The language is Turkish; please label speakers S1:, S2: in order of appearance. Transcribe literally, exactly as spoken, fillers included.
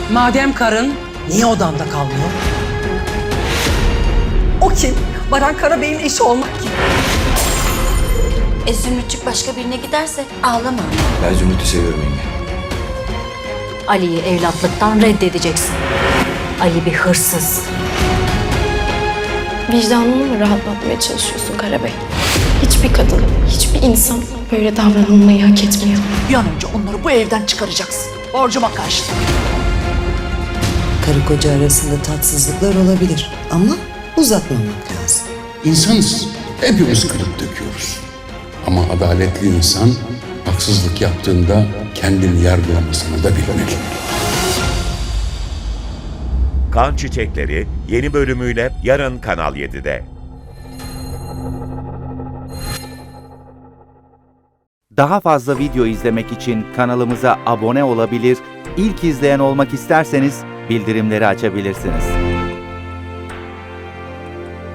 S1: Madem karın, niye odanda kalmıyor?
S2: O kim? Baran Karabey'in eşi olmak kim?
S3: E Zümrütçük başka birine giderse ağlama.
S4: Ben Zümrüt'ü seviyorum yenge.
S3: Ali'yi evlatlıktan reddedeceksin. Ali bir hırsız.
S5: Vicdanını mı rahatlatmaya çalışıyorsun Karabey? Hiçbir kadın, hiçbir insan böyle davranılmayı hak etmiyor.
S6: Bir an önce onları bu evden çıkaracaksın. Borcuma karşılık.
S7: Karı koca arasında tatsızlıklar olabilir ama uzatmamak lazım.
S8: İnsanız. Hepimiz kırıp döküyoruz. Ama adaletli insan haksızlık yaptığında kendini yargılamasını da bilmeli.
S9: Kan Çiçekleri yeni bölümüyle yarın Kanal yedide.
S10: Daha fazla video izlemek için kanalımıza abone olabilir, ilk izleyen olmak isterseniz bildirimleri açabilirsiniz.